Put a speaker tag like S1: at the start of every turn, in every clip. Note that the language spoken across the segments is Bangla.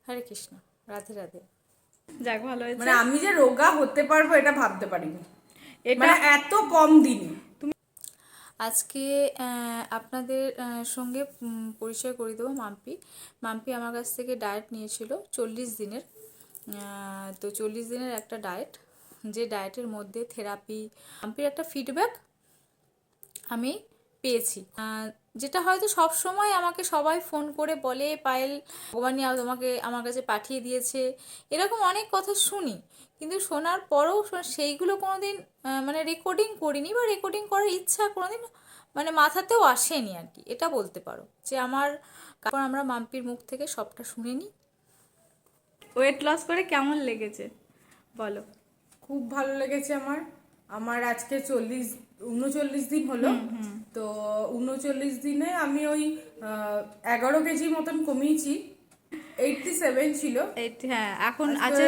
S1: হরে কৃষ্ণ, রাধে রাধে।
S2: যাক, ভালো হয়েছে।
S3: মানে আমি যে রোগা হতে পারবো এটা ভাবতে পারিনি,
S2: এটা
S3: মানে এত কম দিনে।
S1: আজকে আপনাদের সঙ্গে পরিচয় করে দেবো মাম্পি। মাম্পি আমার কাছ থেকে ডায়েট নিয়েছিল 40 দিনের। তো 40 দিনের একটা ডায়েট, যে ডায়েটের মধ্যে থেরাপি, মাম্পির একটা ফিডব্যাক আমি পেয়েছি, যেটা হয়তো সব সময় আমাকে সবাই ফোন করে বলে, পায়েল ভগবানই তোমাকে আমার কাছে পাঠিয়ে দিয়েছে, এরকম অনেক কথা শুনি। কিন্তু শোনার পরেও সেইগুলো কোনোদিন মানে রেকর্ডিং করিনি, বা রেকর্ডিং করার ইচ্ছা কোনোদিন মানে মাথাতেও আসেনি আর কি, এটা বলতে পারো। যে আমার কারণ আমরা মাম্পির মুখ থেকে সবটা শুনে নিই।
S2: ওয়েট লস করে কেমন লেগেছে বলো?
S3: খুব ভালো লেগেছে আমার। আমার আজকে 39 দিন হলো। তো 39 দিনে আমি ওই 11 কেজি মতন কমিয়েছি। 87 ছিল,
S2: হ্যাঁ, এখন আছে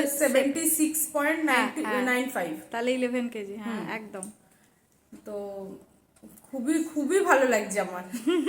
S3: 76.95।
S2: তাহলে 11 কেজি। হ্যাঁ, একদম।
S3: তো খুবই খুবই ভালো লাগছে আমার।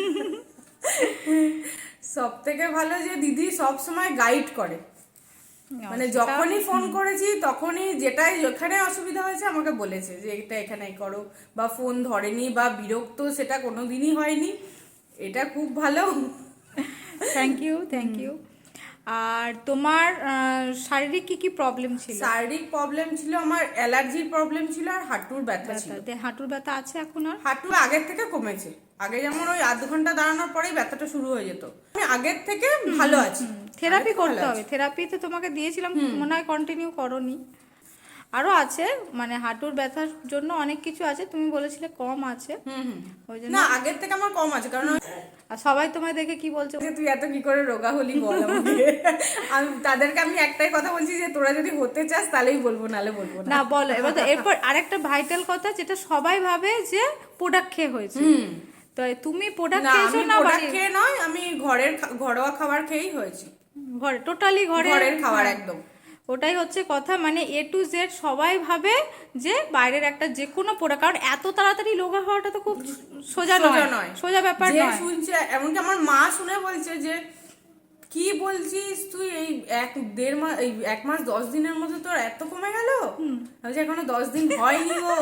S3: সব থেকে ভালো যে দিদি সব সময় গাইড করে, মানে যখনই ফোন করেছি তখনই যেটাই যেখানে অসুবিধা হয়েছে আমাকে বলেছে যে এটা এখানে করো, বা ফোন ধরেনি বা বিরক্ত সেটা কোনোদিনই হয়নি। এটা খুব ভালো।
S2: Thank you, thank you. আর তোমার শারীরিক কি কি প্রবলেম ছিল?
S3: শারীরিক প্রবলেম ছিল, আমার অ্যালার্জির প্রবলেম ছিল আর হাঁটুর ব্যথা ছিল।
S2: হাঁটুর ব্যথা আছে এখন? আর
S3: হাঁটু আগের থেকে কমেছে। আগে যেমন ওই আধ ঘন্টা দাঁড়ানোর পরেই ব্যথাটা শুরু হয়ে যেত, আমি আগের থেকে ভালো আছি।
S2: থেরাপি করতে হবে। থেরাপি তো তোমাকে দিয়েছিলাম, মনে হয় কন্টিনিউ করোনি। আরো আছে, মানে হাঁটুর ব্যথার জন্য অনেক কিছু আছে, তুমি বলেছিলে কম আছে। ওই জন্য
S3: না, আগের থেকে আমার কম আছে। কারণ
S2: আর সবাই তোমায় দেখে কি বলছে,
S3: তুই এত কি করে রোগা হলি বল আমাকে। আমি তাদেরকে আমি একটাই কথা বলছি যে তোরা যদি হতে চাস তাহলেই বলবো, নালে বলবো না।
S2: না বলো এবার। তো এরপর আরেকটা ভাইটাল কথা, যেটা সবাই ভাবে যে প্রোডাক্ট খেয়ে হয়েছে। তো তুমি প্রোডাক্ট খেয়েছো না?
S3: প্রোডাক্ট খেয়ে নয়, আমি ঘরোয়া খাবার খেয়েই হয়েছে।
S2: ঘরে টোটালি
S3: ঘরের খাবার একদম।
S2: ওটাই হচ্ছে কথা, মানে A to Z সবাই ভাবে যে বাইরের একটা যে কোনো প্রোডাক্ট, কারণ এত তাড়াতাড়ি রোগা হওয়াটা তো খুব সোজা নয়, সোজা ব্যাপার নয়।
S3: শুনছে, এমনকি আমার মা শুনে বলছে যে কি বলছিস তুই, এই 1 মাস 10 দিনের মধ্যে তোর এত কমে গেল? আমি এখনো 10 দিন হয়নি গো।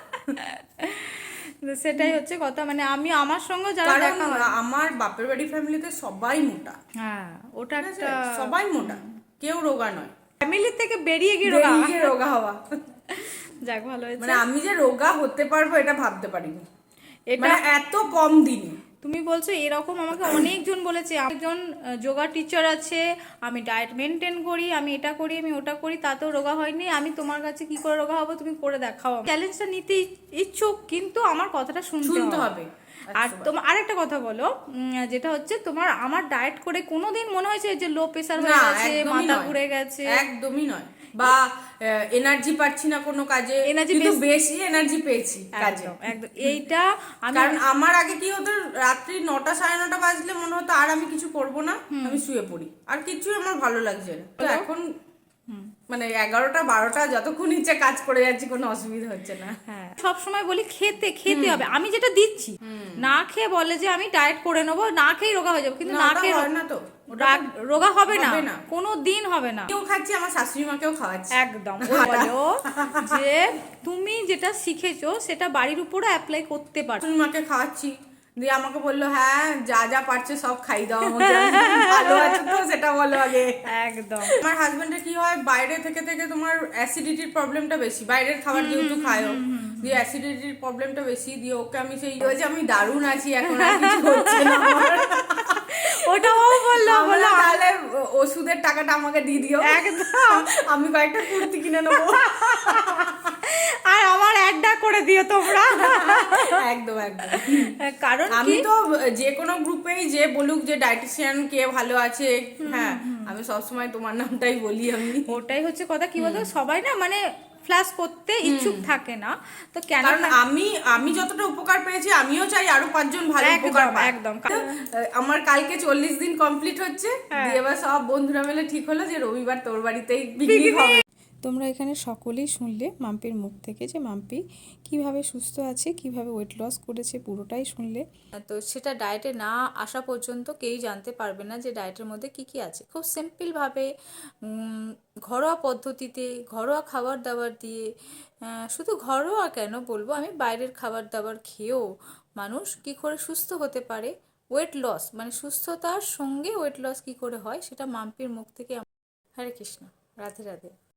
S2: সেটাই হচ্ছে কথা, মানে আমি আমার সঙ্গে যারা দেখা হয়,
S3: আমার বাপের বাড়ি ফ্যামিলিতে সবাই মোটা।
S2: হ্যাঁ, ওটা একটা
S3: সবাই মোটা, কেউ রোগা নয়।
S2: ফ্যামিলি থেকে বেরিয়ে গিয়ে
S3: রোগা হওয়া।
S2: যাক, ভালো হয়েছে।
S3: মানে আমি যে রোগা হতে পারবো এটা ভাবতে পারিনি,
S2: এটা
S3: মানে এত কম দিনে।
S2: তুমি বলছো এরকম, আমাকে অনেকজন বলেছে। একজন যোগা টিচার আছে, আমি ডায়েট মেনটেন করি, আমি এটা করি, আমি ওটা করি, তাতেও রোগা হয়নি। আমি তোমার কাছে কি করে রোগা হবো, তুমি করে দেখাও। চ্যালেঞ্জটা নিতে ইচ্ছুক, কিন্তু আমার কথাটা শুনতে হবে। আর তোমার আরেকটা কথা বলো, যেটা হচ্ছে তোমার আমার ডায়েট করে কোনোদিন মনে হয়েছে যে লো প্রেসার হয়ে গেছে, মাথা ঘুরে গেছে?
S3: একদমই নয়। বা এনার্জি পাচ্ছি না কোনো কাজে, কিন্তু বেশি এনার্জি পেয়েছি কাজে।
S2: একদম এইটা
S3: কারণ আমার আগে কি হতো, রাত্রি 9টা 9:30 বাজলে মনে হতো আর আমি কিছু করব না, আমি শুয়ে পড়ি, আর কিছুই আমার ভালো লাগছে না। তো এখন মানে 11টা 12টা যতক্ষণ ইচ্ছে কাজ করে যাচ্ছি, কোনো অসুবিধা হচ্ছে না।
S2: হ্যাঁ, সব সময় বলি খেতে হবে। আমি যেটা দিচ্ছি, না খেয়ে বলে যে আমি ডায়েট করে নেবো, না খেয়ে রোগা হয়ে যাবো, কিন্তু না খেয়ে
S3: না, তো
S2: রোগা হবে না, কোনো দিন হবে না।
S3: কেউ খাচ্ছি, আমার শাশুড়ি মাকেও খাওয়াচ্ছি।
S2: একদম বলো যে তুমি যেটা শিখেছো সেটা বাড়ির উপরে অ্যাপ্লাই করতে পারো।
S3: শাশুড়ি মাকে খাওয়াচ্ছি, দিয়ে আমাকে বললো হ্যাঁ যা যা পারছে সব খাই দাও আমাকে। ভালো আছে তো সেটা বলো আগে।
S2: একদম।
S3: আমার হাজবেন্ডের কি হয়, বাইরে থেকে তোমার অ্যাসিডিটির প্রবলেমটা বেশি, বাইরের খাবার যেহেতু খায়ও, দিয়ে অ্যাসিডিটির প্রবলেমটা বেশি, দিয়ে ওকে আমি সেই যে আমি দারুণ আছি এখন, আর কিছু হচ্ছে না আমার।
S2: ওটাও বললো
S3: তাহলে ওষুধের টাকাটা আমাকে দিয়ে দিও,
S2: একদম
S3: আমি কয়েকটা কুর্তি কিনে নেবো,
S2: আর আমার অ্যাডটা করে দিও তোমরা।
S3: একদম একদম।
S2: কারণ
S3: আমি তো যে কোনো গ্রুপেই যে বলুক যে ডায়েটিশিয়ান কে ভালো আছে, হ্যাঁ আমি সবসময় তোমার নামটাই বলি। আমি
S2: ওটাই হচ্ছে কথা, কি বলতো সবাই না মানে ফ্ল্যাশ করতে ইচ্ছুক থাকে না, তো কেন?
S3: কারণ আমি যতটা উপকার পেয়েছি আমিও চাই আরো 5 জন ভালো উপকার পায়।
S2: একদম।
S3: আমার কালকে 40 দিন কমপ্লিট হচ্ছে, দিয়ে এবার সব বন্ধুরা মিলে ঠিক হলো যে রবিবার তোর বাড়িতেই পিকনিক হবে।
S1: তোমরা এখানে সকলেই শুনলে মাম্পির মুখ থেকে যে মাম্পি কিভাবে সুস্থ আছে, কিভাবে ওয়েট লস করেছে, পুরোটাই শুনলে। তো সেটা ডায়েটে না আসা পর্যন্ত কেউই জানতে পারবে না যে ডায়েটের মধ্যে কি কি আছে। খুব সিম্পলভাবে ঘরোয়া পদ্ধতিতে, ঘরোয়া খাবার দাবার দিয়ে, শুধু ঘরোয়া কেন বলবো, আমি বাইরের খাবার দাবার খেয়েও মানুষ কি করে সুস্থ হতে পারে, ওয়েট লস মানে সুস্থতার সঙ্গে ওয়েট লস কি করে হয়, সেটা মাম্পির মুখ থেকে। হরে কৃষ্ণ, রাধে রাধে।